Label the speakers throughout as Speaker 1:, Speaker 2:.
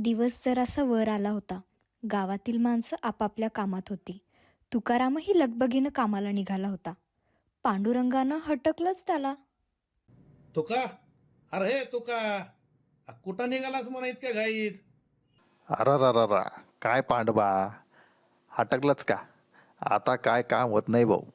Speaker 1: दिवस जरासा वर आला होता. गावातील माणसं आपापल्या कामात होती. तुकारामही लगबगीनं कामाला निघाला होता. पांडुरंगानं हटकलंच त्याला.
Speaker 2: तुका, अरे तुका, कुठं निघालास म्हणा इतक्या घाईत?
Speaker 3: अररररा, काय पांडवा, हटकलंच का? आता काय काम होत नाही भाऊ.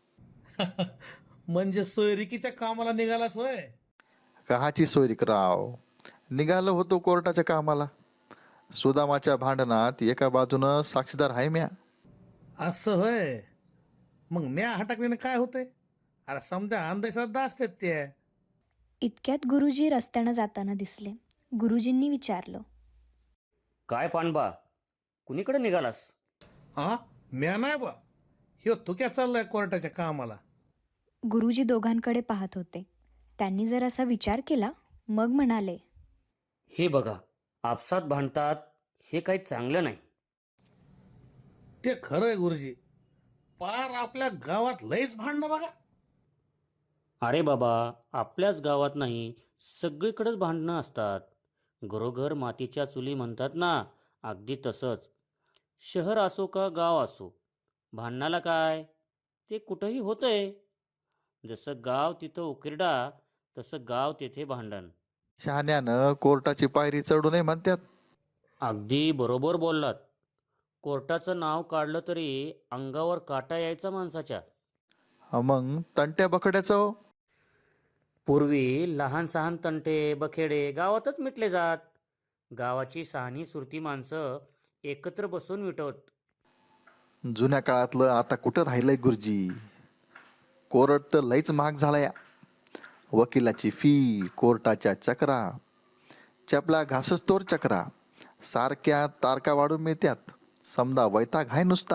Speaker 2: म्हणजे सोयरिकीच्या कामाला निघालास होय?
Speaker 3: कहाची सोयरीकराव, निघालो होतो कोर्टाच्या कामाला. सुदामाच्या भांडणात एका बाजूनं साक्षीदार आहे म्या.
Speaker 2: असं होय. मग म्या हटकण्याने काय होतंय? अरे समजा अंधश्रद्धा असतात ते.
Speaker 1: इतक्यात गुरुजी रस्त्यानं जाताना दिसले. गुरुजींनी विचारलं,
Speaker 4: काय पाणबा, कुणीकडे निघालास?
Speaker 2: हा, म्या नाही बा, ह्यो तुक्या चाललाय कोर्टाच्या कामाला.
Speaker 1: गुरुजी दोघांकडे पाहत होते. त्यांनी जरासा विचार केला, मग म्हणाले,
Speaker 4: हे बघा, आपसात भांडतात, हे काही चांगलं नाही.
Speaker 2: ते खरंय गुरुजी, पार आपल्या गावात लयच भांडणं बघा.
Speaker 4: अरे बाबा, आपल्याच गावात नाही, सगळीकडेच भांडणं असतात. घरोघर मातीच्या चुली म्हणतात ना, अगदी तसंच. शहर असो का गाव असो, भांडणाला काय, ते कुठंही होतंय. जसं गाव तिथं उकिरडा, तसं गाव तेथे भांडण.
Speaker 3: शहाण्यानं कोर्टाची पायरी चढू नये म्हणतात.
Speaker 4: अगदी बरोबर बोललात. कोर्टाचं नाव काढलं तरी अंगावर काटा यायचा माणसाच्या.
Speaker 3: मग तंट्या बकड्याचं हो.
Speaker 4: पूर्वी लहान सहान तंटे बखेडे गावातच मिटले जात. गावाची सहानी सुरती माणसं एकत्र बसून मिटवत.
Speaker 3: जुन्या काळातलं आता कुठं राहिलंय गुरुजी. कोर्ट तर लईच महाग झालाय. वकिलाची फी, कोर्टाच्या चक्रा, चपला घासच तोर चक्रा, सारख्या तारका वाढून मिळत्यात. समजा वैताग आहे नुसता.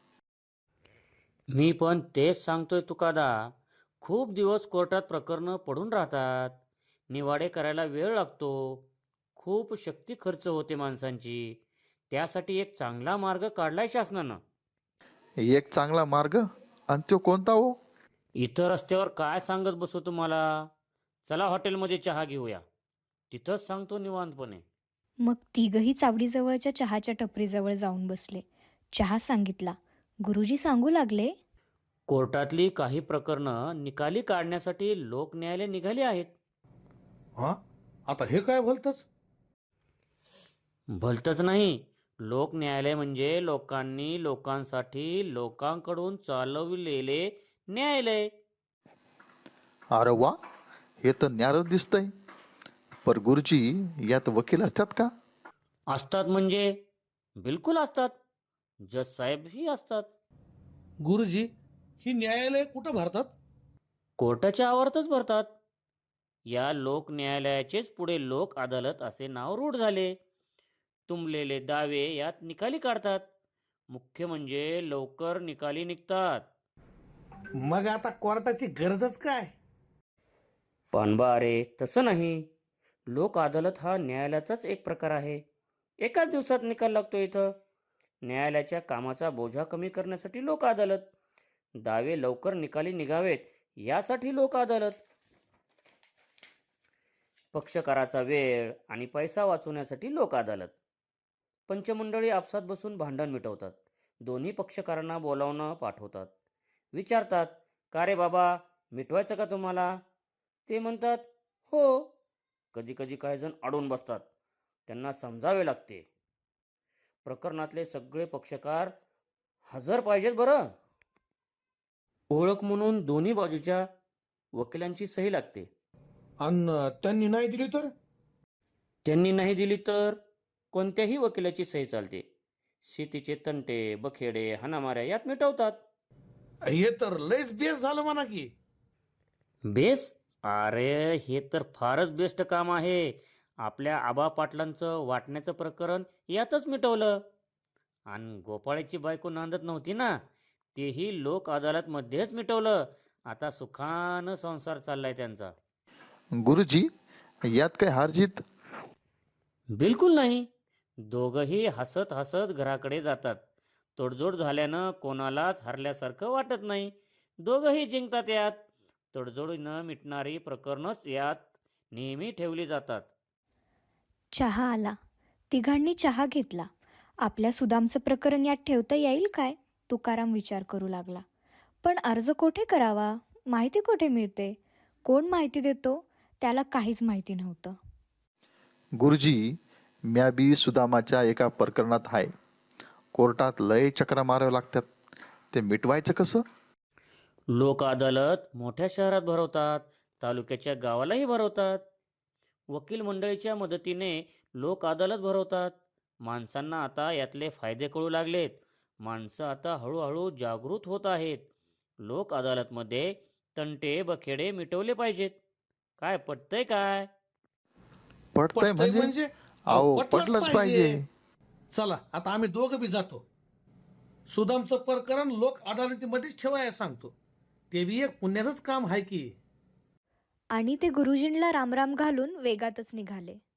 Speaker 4: मी पण तेच सांगतोय तुकादा. खूप दिवस कोर्टात प्रकरणं पडून राहतात. निवाडे करायला वेळ लागतो. खूप शक्ती खर्च होते माणसांची. त्यासाठी एक चांगला मार्ग काढलाय शासनानं.
Speaker 3: एक चांगला मार्ग, आणि तो कोणता हो?
Speaker 4: इथं रस्त्यावर काय सांगत बसू तुम्हाला. चला हॉटेलमध्ये चहा घेऊया. तिथंच सांगतो निवांतपणे.
Speaker 1: मग तिघही चावडीजवळच्या चहाच्या टपरीजवळ जाऊन बसले. चहा सांगितला. गुरुजी सांगू लागले,
Speaker 4: कोर्टातली काही प्रकरणं निकाली काढण्यासाठी लोक न्यायालय निघाले आहेत.
Speaker 2: हा, आता हे काय भलतच?
Speaker 4: भलतंच नाही. लोक न्यायालय म्हणजे लोकांनी लोकांसाठी लोकांकडून चालविलेले न्यायालय.
Speaker 3: अरे वा, हे तर न्यारच दिसतंय. पर गुरुजी, यात वकील असतात का?
Speaker 4: असतात म्हणजे बिलकुल असतात. जज साहेबही असतात.
Speaker 2: गुरुजी, ही न्यायालय कुठं भरतात?
Speaker 4: कोर्टाच्या आवारातच भरतात. या लोक न्यायालयाचेच पुढे लोक अदालत असे नाव रूढ झाले. तुंबलेले दावे यात निकाली काढतात. मुख्य म्हणजे लवकर निकाली निघतात.
Speaker 2: मग आता कोर्टाची गरजच काय?
Speaker 4: पानबा, अरे तसं नाही. लोक अदालत हा न्यायालयाचाच एक प्रकार आहे. एकाच दिवसात निकाल लागतो इथं. न्यायालयाच्या कामाचा बोजा कमी करण्यासाठी लोक अदालत. दावे लवकर निकाली निघावेत यासाठी लोक अदालत. पक्षकाराचा वेळ आणि पैसा वाचवण्यासाठी लोक अदालत. पंचमंडळी आपसात बसून भांडण मिटवतात. दोन्ही पक्षकारांना बोलावणं पाठवतात. विचारतात, का रे बाबा, मिटवायचं का तुम्हाला? ते म्हणतात, हो. कधी कधी काही जण अडून बसतात. त्यांना समजावे लागते. प्रकरणातले सगळे पक्षकार हजर पाहिजेत बरं. ओळख म्हणून दोन्ही बाजूच्या वकिलांची सही लागते.
Speaker 2: आणि त्यांनी नाही दिली तर?
Speaker 4: त्यांनी नाही दिली तर कोणत्याही वकिलाची सही चालते. शेतीचे तंटे बखेडे हाणामाऱ्या यात मिटवतात.
Speaker 2: हे तर लयच बेस झालं म्हणा की.
Speaker 4: बेस? अरे हे तर फारच बेस्ट काम आहे. आपल्या आबा पाटलांचं वाटण्याचं प्रकरण यातच मिटवलं. आणि गोपाळाची बायको नांदत नव्हती ना, तेही लोक अदालतमध्येच मिटवलं. आता सुखानं संसार चाललाय त्यांचा.
Speaker 3: गुरुजी, यात काय हारजीत?
Speaker 4: बिलकुल नाही. दोघंही हसत हसत घराकडे जातात. तडजोड झाल्यानं कोणालाच हरल्यासारखं वाटत नाही. दोघंही जिंकतात यात. तडजोडीनं मिटणारी प्रकरणच यात नेहमी ठेवली जातात.
Speaker 1: चहा आला. तिघांनी चहा घेतला. आपल्या सुदामचं प्रकरण यात ठेवता येईल काय? तुकाराम विचार करू लागला. पण अर्ज कोठे करावा? माहिती कोठे मिळते? कोण माहिती देतो? त्याला काहीच माहिती नव्हतं.
Speaker 3: गुरुजी, म्या बी सुदामाच्या एका प्रकरणात आहे. कोर्टात लय चक्रा माराव्या लागतात. ते मिटवायचं कसं?
Speaker 4: लोक अदालत मोठ्या शहरात भरवतात, तालुक्याच्या गावालाही भरवतात. वकील मंडळीच्या मदतीने लोक अदालत भरवतात. माणसांना आता यातले फायदे कळू लागलेत. माणसं आता हळूहळू जागृत होत आहेत. लोक अदालतमध्ये तंटे बखेडे मिटवले पाहिजेत. काय पटतंय काय?
Speaker 3: पटतंय म्हणजे? अहो, पटलंच पाहिजे.
Speaker 2: चला आता आम्ही दोघं बी जातो. सुदामचं प्रकरण लोक अदालतीमध्येच ठेवायला सांगतो. ते बी एक पुण्याचंच काम आहे की.
Speaker 1: आणि ते गुरुजींना रामराम घालून वेगातच निघाले.